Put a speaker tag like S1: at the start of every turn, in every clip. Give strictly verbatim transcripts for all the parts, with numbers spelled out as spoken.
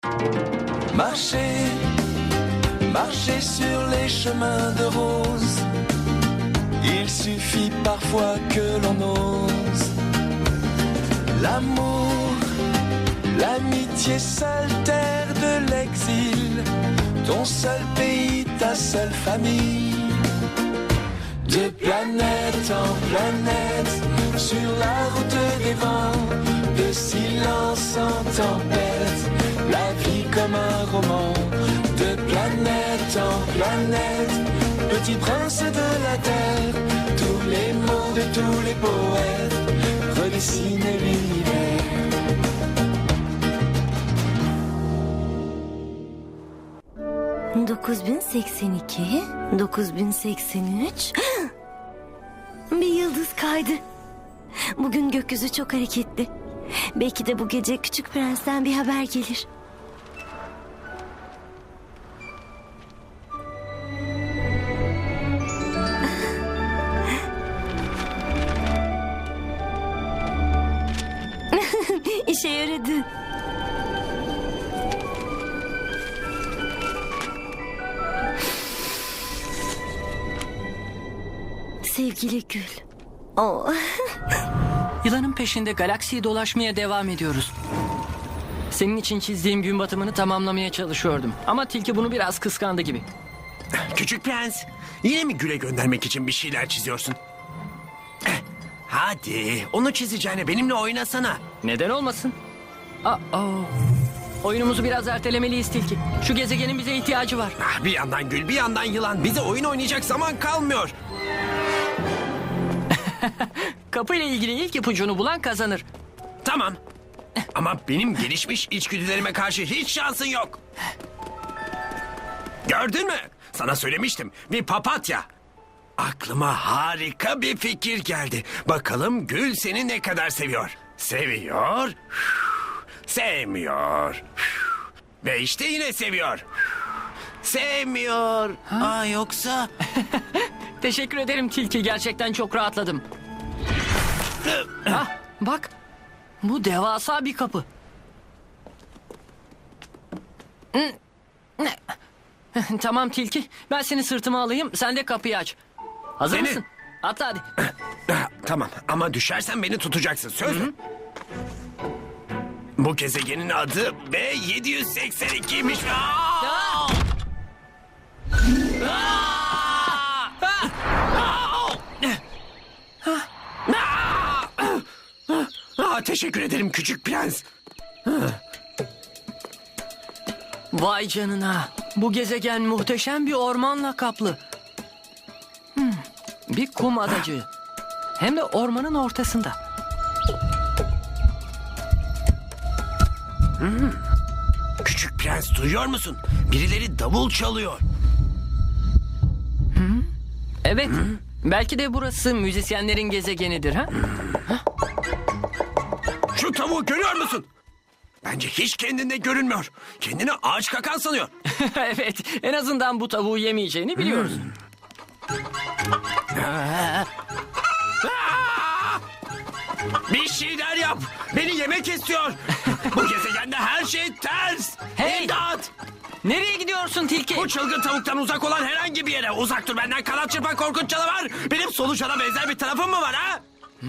S1: Marcher, marcher sur les chemins de rose. Il suffit parfois que l'on ose. L'amour, l'amitié, seule terre de l'exil. Ton seul pays, ta seule famille. De planète en planète, sur la route des vents, de silence en tempête, la vie comme un roman. De planète en planète, petit prince de la terre, tous les mots de tous les poètes redessinent l'univers.
S2: dokuz bin seksen iki, dokuz bin seksen üç. Bir yıldız kaydı. Bugün gökyüzü çok hareketli. Belki de bu gece Küçük Prens'ten bir haber gelir. İşe yaradı. Sevgili Gül. Oh.
S3: Yılanın peşinde galaksiyi dolaşmaya devam ediyoruz. Senin için çizdiğim gün batımını tamamlamaya çalışıyordum. Ama tilki bunu biraz kıskandı gibi.
S4: Küçük Prens, yine mi Gül'e göndermek için bir şeyler çiziyorsun? Eh, Hadi, onu çizeceğine benimle oynasana.
S3: Neden olmasın? Aa, oyunumuzu biraz ertelemeliyiz tilki. Şu gezegenin bize ihtiyacı var.
S4: Ah, bir yandan Gül, bir yandan yılan. Bize oyun oynayacak zaman kalmıyor.
S3: Kapıyla ilgili ilk ipucunu bulan kazanır.
S4: Tamam. Ama benim gelişmiş içgüdülerime karşı hiç şansın yok. Gördün mü? Sana söylemiştim. Bir papatya. Aklıma harika bir fikir geldi. Bakalım Gül seni ne kadar seviyor. Seviyor. Sevmiyor. Ve işte yine seviyor. Sevmiyor. Aa, yoksa...
S3: Teşekkür ederim tilki. Gerçekten çok rahatladım. Ah, bak. Bu devasa bir kapı. Tamam tilki. Ben seni sırtıma alayım. Sen de kapıyı aç. Hazır
S4: Seni-
S3: mısın? Atla hadi.
S4: Ah, Tamam ama düşersen beni tutacaksın. Söz mü? Bu gezegenin adı B yedi yüz seksen ikiymiş. Aa!
S3: Aa!
S4: Aa, teşekkür ederim küçük prens.
S3: Vay canına. Bu gezegen muhteşem bir ormanla kaplı. Hmm, bir kum adacığı. Hem de ormanın ortasında.
S4: Küçük prens duyuyor musun? Birileri davul çalıyor.
S3: Evet. Belki de burası müzisyenlerin gezegenidir ha?
S4: Şu tavuğu görüyor musun? Bence hiç kendinde görünmüyor. Kendini ağaç kakan sanıyor.
S3: Evet. En azından bu tavuğu yemeyeceğini biliyoruz.
S4: Aa! Bir şeyler yap. Beni yemek istiyor. Bu gezegende her şey ters.
S3: Hey!
S4: İmdat!
S3: Nereye gidiyorsun tilki?
S4: Bu çılgın tavuktan uzak olan herhangi bir yere. Uzak dur benden, kanat çırpan korkunç canavar. Benim solucana benzer bir tarafım mı var ha?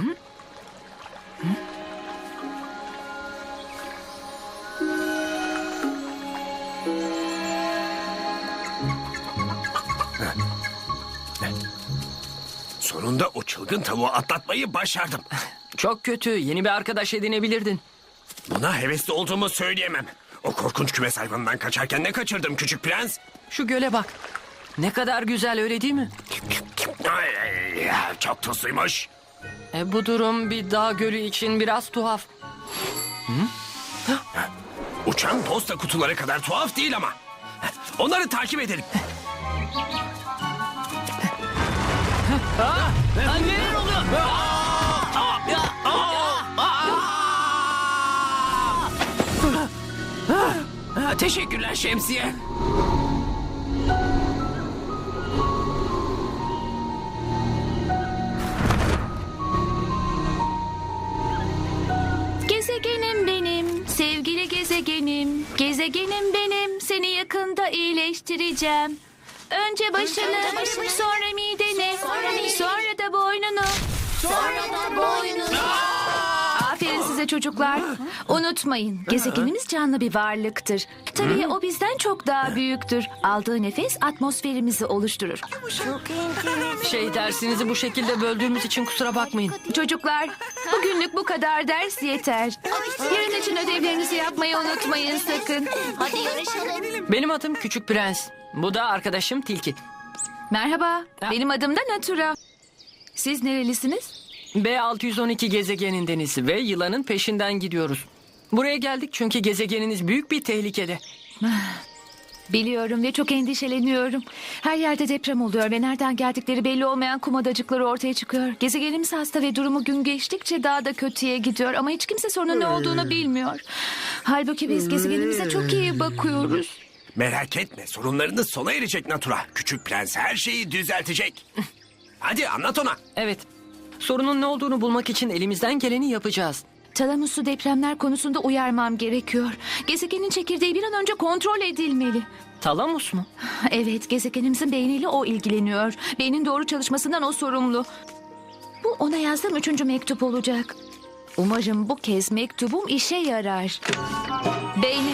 S4: Sonunda o çılgın tavuğu atlatmayı başardım.
S3: Çok kötü. Yeni bir arkadaş edinebilirdin.
S4: Buna hevesli olduğumu söyleyemem. O korkunç kümes hayvanından kaçarken ne kaçırdım küçük prens?
S3: Şu göle bak. Ne kadar güzel, öyle değil mi?
S4: Ay, ay, çok tuzluymuş.
S3: E, bu durum bir dağ gölü için biraz tuhaf.
S4: Uçan posta kutuları kadar tuhaf değil ama. Onları takip edelim.
S3: Aa, neler oluyor?
S4: Ha, teşekkürler şemsiye.
S2: Gezegenim benim, sevgili gezegenim.
S5: benim, gezegenim benim. Seni yakında iyileştireceğim. Önce başını, sonra mideni, sonra da boynunu.
S2: Sonra da boynunu.
S5: Aferin size çocuklar. Unutmayın, gezegenimiz canlı bir varlıktır. Tabii o bizden çok daha büyüktür. Aldığı nefes atmosferimizi oluşturur.
S2: Çok enteresan.
S3: Şey, dersinizi bu şekilde böldüğümüz için kusura bakmayın.
S5: Çocuklar, bugünlük bu kadar ders yeter. Yarın için ödevlerinizi yapmayı unutmayın sakın.
S2: Hadi yarışalım.
S3: Benim adım Küçük Prens. Bu da arkadaşım Tilki.
S5: Merhaba, benim adım da Natura. Siz nerelisiniz?
S3: B altı yüz on iki gezegenindeniz ve yılanın peşinden gidiyoruz. Buraya geldik çünkü gezegeniniz büyük bir tehlikede.
S5: Biliyorum ve çok endişeleniyorum. Her yerde deprem oluyor ve nereden geldikleri belli olmayan kum adacıkları ortaya çıkıyor. Gezegenimiz hasta ve durumu gün geçtikçe daha da kötüye gidiyor. Ama hiç kimse sorunun ne olduğunu bilmiyor. Halbuki biz gezegenimize çok iyi bakıyoruz.
S4: Merak etme, sorunlarınız sona erecek Natura. Küçük prens her şeyi düzeltecek. Hadi anlat ona.
S3: Evet, sorunun ne olduğunu bulmak için elimizden geleni yapacağız.
S5: Talamus'u depremler konusunda uyarmam gerekiyor. Gezegenin çekirdeği bir an önce kontrol edilmeli.
S3: Talamus mu?
S5: Evet, gezegenimizin beyniyle o ilgileniyor. Beynin doğru çalışmasından o sorumlu. Bu ona yazdığım üçüncü mektup olacak. Umarım bu kez mektubum işe yarar. Beyni.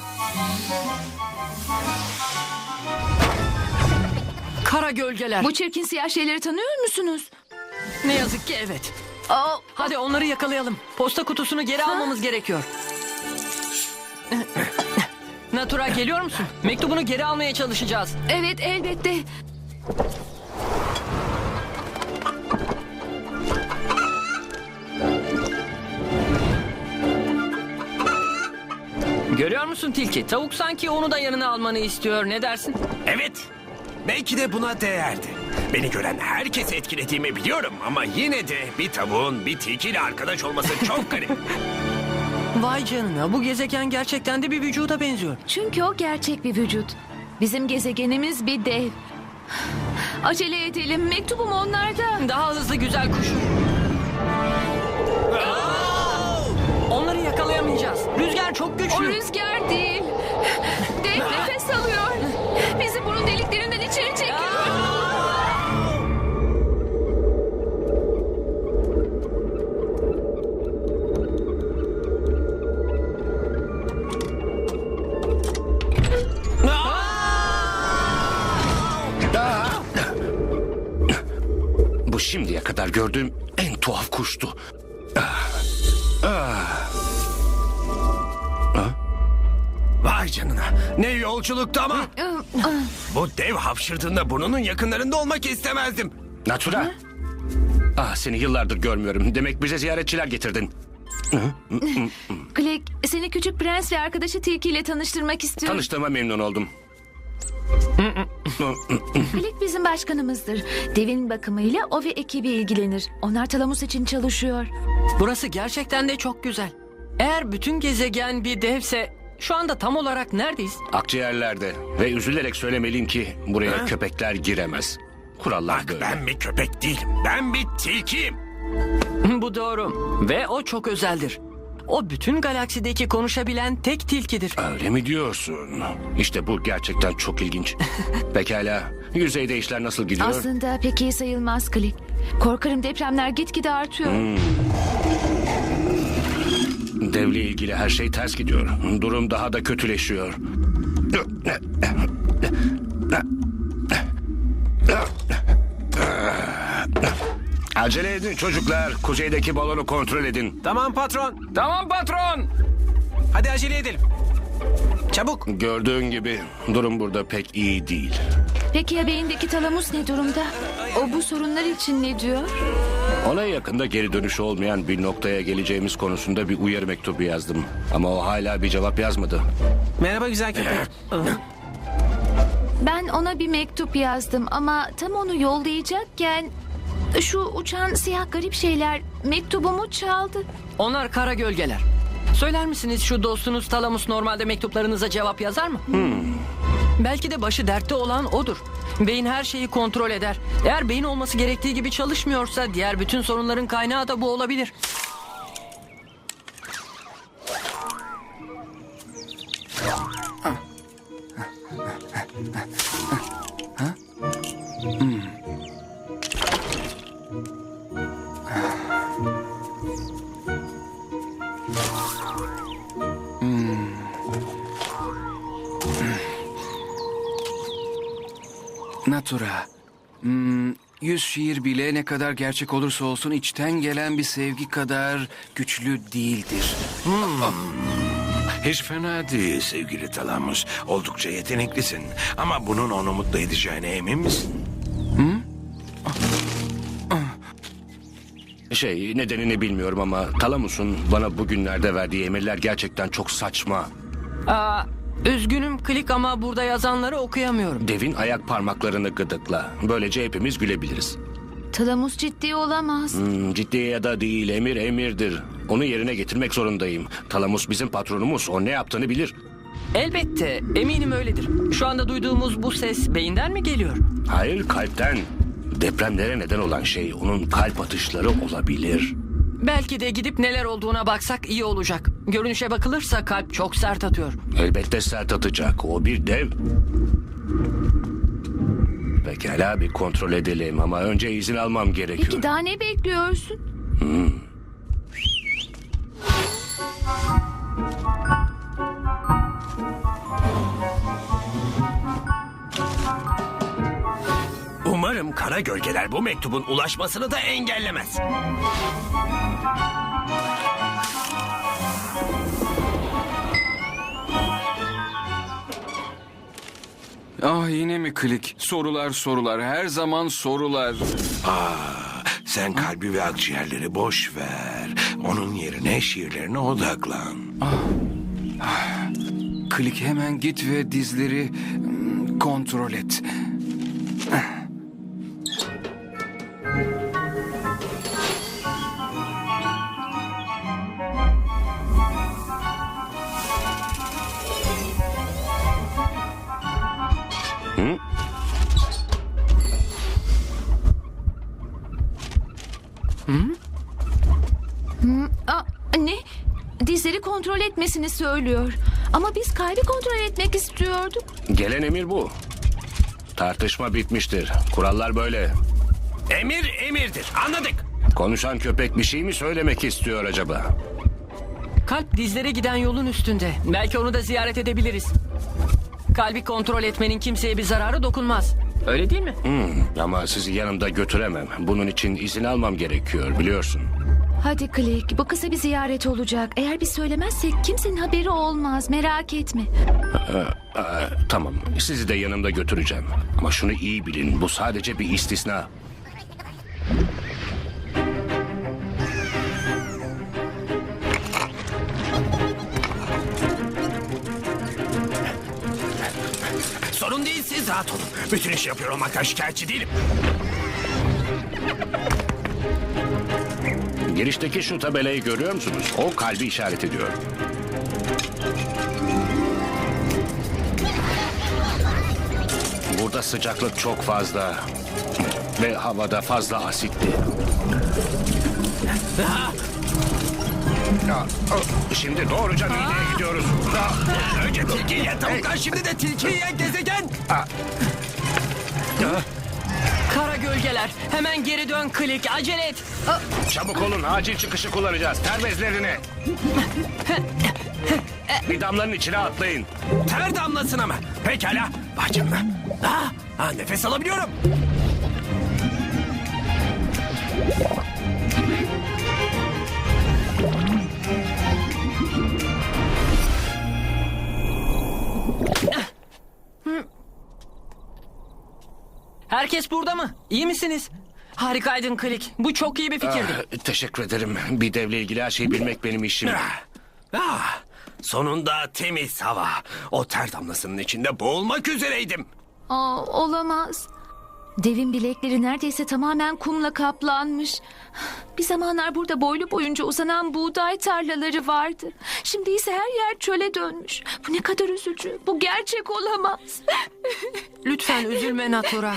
S3: Kara gölgeler.
S5: Bu çirkin siyah şeyleri tanıyor musunuz?
S3: Ne yazık ki evet.
S5: Aa,
S3: Hadi onları yakalayalım. Posta kutusunu geri almamız gerekiyor. Natura, geliyor musun? Mektubunu geri almaya çalışacağız.
S5: evet, elbette.
S3: Görüyor musun Tilki? Tavuk sanki onu da yanına almanı istiyor. Ne dersin?
S4: Evet, belki de buna değerdi. Beni gören herkesi etkilediğimi biliyorum ama yine de bir tavuğun bir tilkiyle arkadaş olması çok garip.
S3: Vay canına, bu gezegen gerçekten de bir vücuda benziyor.
S5: Çünkü o gerçek bir vücut. Bizim gezegenimiz bir dev. Acele edelim. Mektubum onlarda.
S3: Daha hızlı güzel kuş. Onları yakalayamayacağız. Rüzgar çok
S5: O
S3: güçlü.
S5: rüzgar değil. Dev nefes alıyor. Bizi burun deliklerinden içeri çekiyor.
S6: Bu şimdiye kadar gördüğüm en tuhaf kuştu.
S4: Vay canına, ne yolculuktu ama. Bu dev hapşırdığında burnunun yakınlarında olmak istemezdim.
S6: Natura. Ah, seni yıllardır görmüyorum. Demek bize ziyaretçiler getirdin.
S5: Click, seni küçük prens ve arkadaşı Tilki ile tanıştırmak istiyorum.
S6: Tanıştığıma memnun oldum.
S5: Click bizim başkanımızdır. Devin bakımıyla o ve ekibi ilgilenir. Onlar Talamus için çalışıyor.
S3: Burası gerçekten de çok güzel. Eğer bütün gezegen bir devse şu anda tam olarak neredeyiz?
S6: Akciğerlerde ve üzülerek söylemeliyim ki buraya köpekler giremez. Kurallar
S4: Bak,
S6: böyle.
S4: ben bir köpek değilim, ben bir tilkiyim.
S3: Bu doğru. Ve o çok özeldir. O bütün galaksideki konuşabilen tek tilkidir.
S6: Öyle mi diyorsun? İşte bu gerçekten çok ilginç. Pekala, yüzeyde işler nasıl gidiyor?
S5: Aslında pek iyi sayılmaz Click. Korkarım depremler gitgide artıyor.
S6: Devle ilgili her şey ters gidiyor. Durum daha da kötüleşiyor. Acele edin çocuklar. Kuzeydeki balonu kontrol edin.
S4: Tamam patron,
S3: Tamam patron.
S4: hadi acele edelim. Çabuk.
S6: Gördüğün gibi durum burada pek iyi değil.
S5: Peki ya beyindeki Talamus ne durumda? O bu sorunlar için ne diyor?
S6: Ona yakında geri dönüşü olmayan bir noktaya geleceğimiz konusunda bir uyarı mektubu yazdım. Ama o hala bir cevap yazmadı.
S4: Merhaba güzel köpek.
S5: Ben ona bir mektup yazdım ama tam onu yollayacakken şu uçan siyah garip şeyler mektubumu çaldı.
S3: Onlar kara gölgeler. Söyler misiniz, şu dostunuz Talamus normalde mektuplarınıza cevap yazar mı? Belki de başı dertte olan odur. Beyin her şeyi kontrol eder. Eğer beyin olması gerektiği gibi çalışmıyorsa diğer bütün sorunların kaynağı da bu olabilir.
S7: Natura. Hmm, yüz şiir bile ne kadar gerçek olursa olsun içten gelen bir sevgi kadar güçlü değildir.
S4: Hiç fena değil sevgili Talamus. Oldukça yeteneklisin. Ama bunun onu mutlu edeceğine emin misin?
S6: Şey, nedenini bilmiyorum ama Talamus'un bana bugünlerde verdiği emirler gerçekten çok saçma.
S3: Aa, üzgünüm Klik ama burada yazanları okuyamıyorum.
S6: Devin ayak parmaklarını gıdıkla. Böylece hepimiz gülebiliriz.
S5: Talamus ciddi olamaz.
S6: Hmm, ciddi ya da değil, emir emirdir. Onu yerine getirmek zorundayım. Talamus bizim patronumuz, o ne yaptığını bilir.
S3: Elbette, eminim öyledir. Şu anda duyduğumuz bu ses beyinden mi geliyor?
S6: Hayır, kalpten. Depremlere neden olan şey onun kalp atışları olabilir.
S3: Belki de gidip neler olduğuna baksak iyi olacak. Görünüşe bakılırsa kalp çok sert atıyor.
S6: Elbette sert atacak, o bir dev. Pekala, bir kontrol edelim ama önce izin almam gerekiyor.
S5: Peki daha ne bekliyorsun?
S4: Umarım kara gölgeler bu mektubun ulaşmasını da engellemez.
S7: Ah yine mi Klik? Sorular sorular, her zaman sorular.
S4: Aa, sen kalbi ve akciğerleri boş ver. Onun yerine şiirlerine odaklan.
S7: Klik hemen git ve dizleri hmm, kontrol et.
S5: Aa, ne? Dizleri kontrol etmesini söylüyor. Ama biz kalbi kontrol etmek istiyorduk.
S6: Gelen emir bu. Tartışma bitmiştir. Kurallar böyle.
S4: Emir emirdir, anladık.
S6: Konuşan köpek bir şey mi söylemek istiyor acaba?
S3: Kalp dizlere giden yolun üstünde. Belki onu da ziyaret edebiliriz. Kalbi kontrol etmenin kimseye bir zararı dokunmaz. Öyle değil mi?
S6: Hmm, ama sizi yanımda götüremem. Bunun için izin almam gerekiyor, biliyorsun.
S5: Hadi Klik, bu kısa bir ziyaret olacak. Eğer biz söylemezsek kimsenin haberi olmaz. Merak etme.
S6: Aa, tamam, sizi de yanımda götüreceğim. Ama şunu iyi bilin, bu sadece bir istisna.
S4: Sorun değil, siz rahat olun. Bütün işi yapıyor olmaktan şikayetçi değilim.
S6: Girişteki şu tabelayı görüyor musunuz? O kalbi işaret ediyor. Burada sıcaklık çok fazla. Ve havada fazla asitli. Ya, şimdi doğruca mideye gidiyoruz.
S4: Önce tilki yiyen tavuklar, şimdi de tilki yiyen gezegen.
S3: Kara gölgeler. Hemen geri dön Klik. Acele et.
S6: Çabuk olun, acil çıkışı kullanacağız. Ter bezlerini. Bir damlanın içine atlayın.
S4: Ter damlasına mı? Pekala. Vay canına. Ah, ah, nefes alabiliyorum.
S3: Herkes burada mı? İyi misiniz? Harikaydın Klik. Bu çok iyi bir fikirdi.
S6: Ah, teşekkür ederim. Bir devle ilgili her şeyi bilmek benim işim.
S4: Ah, ah, sonunda temiz hava. O ter damlasının içinde boğulmak üzereydim.
S5: Aa, olamaz. Devin bilekleri neredeyse tamamen kumla kaplanmış. Bir zamanlar burada boylu boyunca uzanan buğday tarlaları vardı. Şimdi ise her yer çöle dönmüş. Bu ne kadar üzücü. Bu gerçek olamaz.
S3: Lütfen üzülme Natura.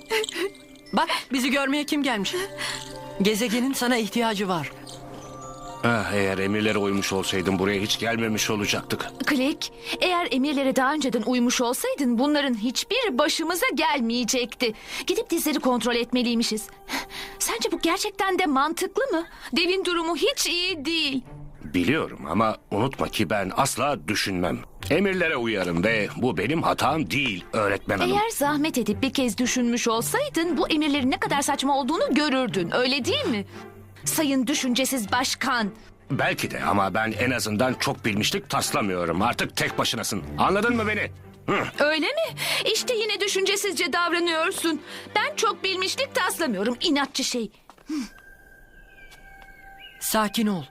S3: Bak bizi görmeye kim gelmiş? Gezegenin sana ihtiyacı var.
S6: Ah, eğer emirlere uymuş olsaydım buraya hiç gelmemiş olacaktık.
S5: Klik, eğer emirlere daha önceden uymuş olsaydın bunların hiçbir başımıza gelmeyecekti. Gidip dizleri kontrol etmeliymişiz. Sence bu gerçekten de mantıklı mı? Devin durumu hiç iyi değil.
S6: Biliyorum ama unutma ki ben asla düşünmem. Emirlere uyarım ve bu benim hatam değil öğretmen hanım.
S5: Eğer zahmet edip bir kez düşünmüş olsaydın bu emirlerin ne kadar saçma olduğunu görürdün, öyle değil mi? Sayın düşüncesiz başkan.
S6: Belki de ama ben en azından çok bilmişlik taslamıyorum. Artık tek başınasın. Anladın mı beni? Hı.
S5: Öyle mi? İşte yine düşüncesizce davranıyorsun. Ben çok bilmişlik taslamıyorum, inatçı şey.
S3: Sakin ol.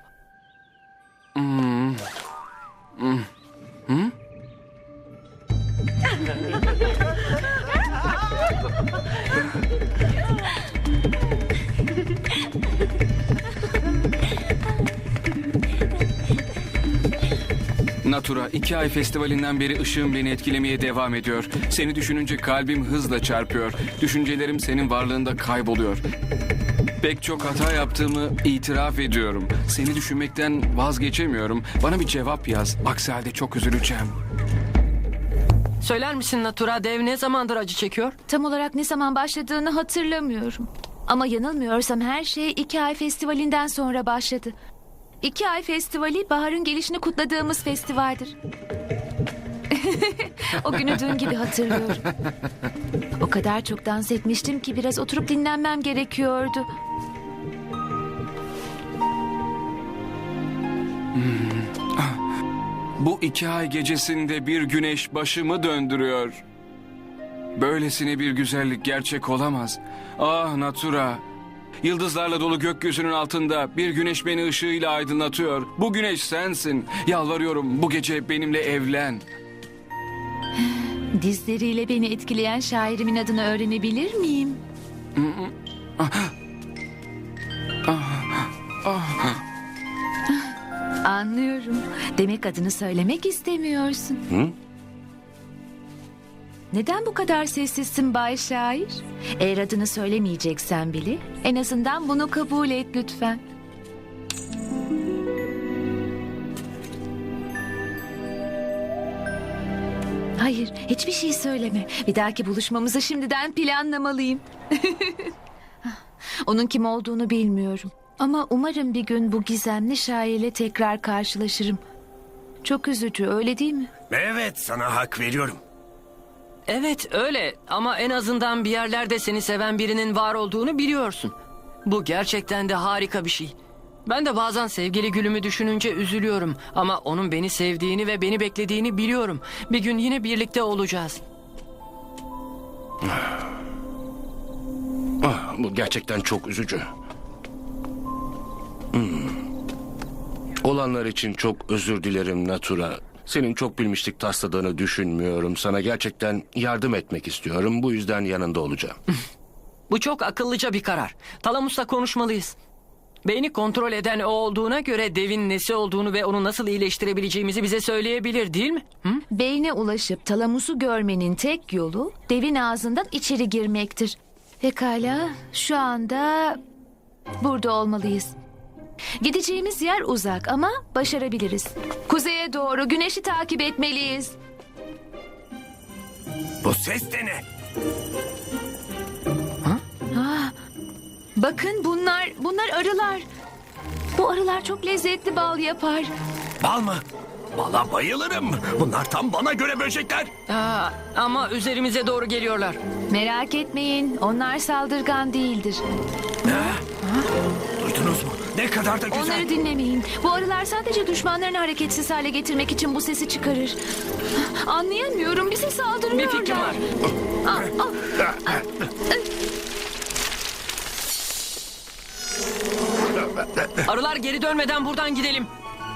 S7: Natura, iki ay festivalinden beri ışığın beni etkilemeye devam ediyor. Seni düşününce kalbim hızla çarpıyor. Düşüncelerim senin varlığında kayboluyor. Pek çok hata yaptığımı itiraf ediyorum. Seni düşünmekten vazgeçemiyorum. Bana bir cevap yaz. Aksi halde çok üzüleceğim.
S3: Söyler misin Natura, dev ne zamandır acı çekiyor?
S5: Tam olarak ne zaman başladığını hatırlamıyorum. Ama yanılmıyorsam her şey iki ay festivalinden sonra başladı. İki ay festivali baharın gelişini kutladığımız festivaldir. O günü dün gibi hatırlıyorum. O kadar çok dans etmiştim ki biraz oturup dinlenmem gerekiyordu.
S7: Bu iki ay gecesinde bir güneş başımı döndürüyor. Böylesine bir güzellik gerçek olamaz. Ah Natura. Yıldızlarla dolu gökyüzünün altında bir güneş beni ışığıyla aydınlatıyor. Bu güneş sensin. Yalvarıyorum bu gece benimle evlen.
S5: Dizleriyle beni etkileyen şairimin adını öğrenebilir miyim? Anlıyorum. Demek adını söylemek istemiyorsun.
S6: Hı?
S5: Neden bu kadar sessizsin Bay Şair? Eğer adını söylemeyeceksen bile en azından bunu kabul et lütfen. Hayır, hiçbir şey söyleme. Bir dahaki buluşmamızı şimdiden planlamalıyım. Onun kim olduğunu bilmiyorum. Ama umarım bir gün bu gizemli şairle tekrar karşılaşırım. Çok üzücü, öyle değil mi?
S4: Evet, sana hak veriyorum.
S3: Evet öyle ama en azından bir yerlerde seni seven birinin var olduğunu biliyorsun. Bu gerçekten de harika bir şey. Ben de bazen sevgili gülümü düşününce üzülüyorum. Ama onun beni sevdiğini ve beni beklediğini biliyorum. Bir gün yine birlikte olacağız.
S6: Ah, bu gerçekten çok üzücü. Hmm. Olanlar için çok özür dilerim Natura. Senin çok bilmişlik tasladığını düşünmüyorum. Sana gerçekten yardım etmek istiyorum. Bu yüzden yanında olacağım.
S3: Bu çok akıllıca bir karar. Talamus'la konuşmalıyız. Beyni kontrol eden o olduğuna göre devin nesi olduğunu ve onu nasıl iyileştirebileceğimizi bize söyleyebilir değil mi? Hı?
S5: Beyne ulaşıp talamusu görmenin tek yolu devin ağzından içeri girmektir. Pekala, şu anda burada olmalıyız. Gideceğimiz yer uzak ama başarabiliriz. Kuzeye doğru güneşi takip etmeliyiz.
S4: Bu ses de ne?
S5: Bakın bunlar, bunlar arılar. Bu arılar çok lezzetli bal yapar.
S4: Bal mı? Bala bayılırım. Bunlar tam bana göre böcekler.
S3: Aa, ama üzerimize doğru geliyorlar.
S5: Merak etmeyin, onlar saldırgan değildir.
S4: Duydunuz mu? Ne kadar da güzel.
S5: Onları dinlemeyin. Bu arılar sadece düşmanlarını hareketsiz hale getirmek için bu sesi çıkarır. Anlayamıyorum, bize saldırıyorlar.
S3: Bir fikrim var.
S5: Ah, ah.
S3: Arılar geri dönmeden buradan gidelim.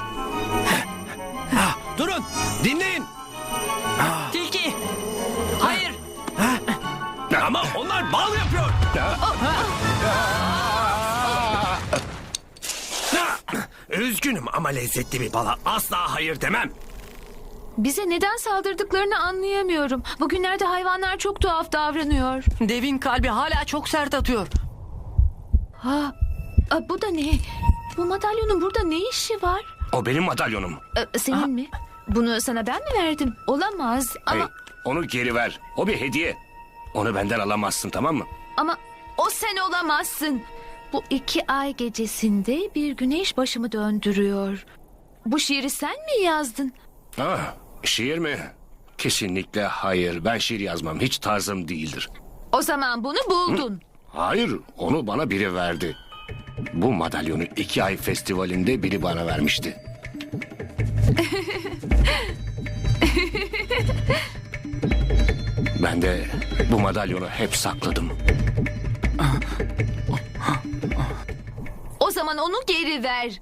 S4: Durun, dinleyin.
S3: Tilki. Hayır.
S4: Ama onlar bal yapıyor. Üzgünüm ama lezzetli bir bala asla hayır demem.
S5: Bize neden saldırdıklarını anlayamıyorum. Bugünlerde hayvanlar çok tuhaf davranıyor.
S3: Devin kalbi hala çok sert atıyor.
S5: Ha, a, bu da ne? Bu madalyonun burada ne işi var?
S6: O benim madalyonum.
S5: Ee, senin mi? Bunu sana ben mi verdim? Olamaz ama...
S6: Hey, onu geri ver. O bir hediye. Onu benden alamazsın, tamam mı?
S5: Ama o sen olamazsın. Bu iki ay gecesinde bir güneş başımı döndürüyor. Bu şiiri sen mi yazdın?
S6: Ah, şiir mi? Kesinlikle hayır. Ben şiir yazmam. Hiç tarzım değildir.
S5: O zaman bunu buldun.
S6: Hayır, onu bana biri verdi. Bu madalyonu iki ay festivalinde biri bana vermişti. Ben de bu madalyonu hep sakladım.
S5: O zaman onu geri ver.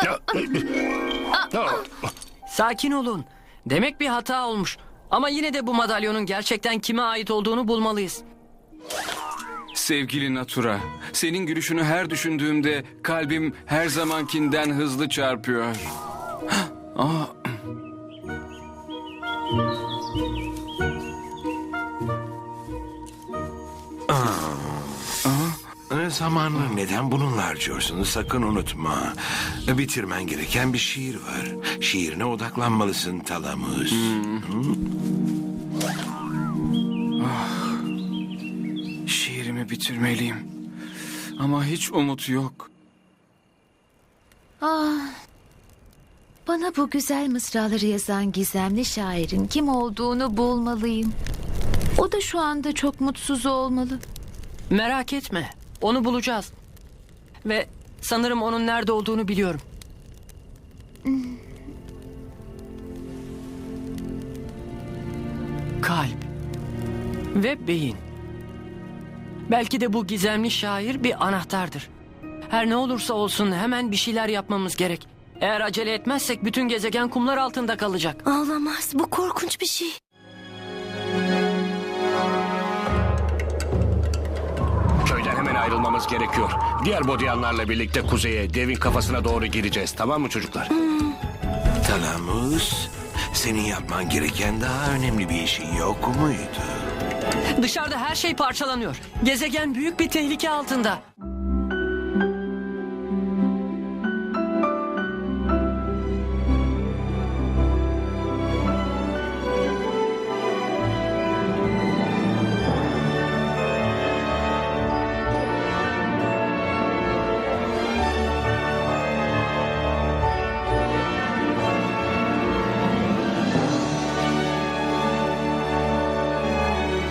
S3: Sakin olun. Demek bir hata olmuş. Ama yine de bu madalyonun gerçekten kime ait olduğunu bulmalıyız.
S7: Sevgili Natura, senin gülüşünü her düşündüğümde kalbim her zamankinden hızlı çarpıyor. Aa,
S8: E, Zamanını neden bununla harcıyorsun? Sakın unutma. E, Bitirmen gereken bir şiir var. Şiirine odaklanmalısın Talamus.
S7: şiirimi bitirmeliyim. Ama hiç umut yok.
S5: Bana bu güzel mısraları yazan gizemli şairin kim olduğunu bulmalıyım. O da şu anda çok mutsuz olmalı.
S3: Merak etme. Onu bulacağız. Ve sanırım onun nerede olduğunu biliyorum. Kalp ve beyin. Belki de bu gizemli şair bir anahtardır. Her ne olursa olsun hemen bir şeyler yapmamız gerek. Eğer acele etmezsek bütün gezegen kumlar altında kalacak.
S2: Ağlamaz. Bu korkunç bir şey.
S6: Köyden hemen ayrılmamız gerekiyor. Diğer bodyanlarla birlikte kuzeye, devin kafasına doğru gideceğiz. Tamam mı çocuklar?
S8: Talamus, senin yapman gereken daha önemli bir işin yok muydu?
S3: Dışarıda her şey parçalanıyor. Gezegen büyük bir tehlike altında.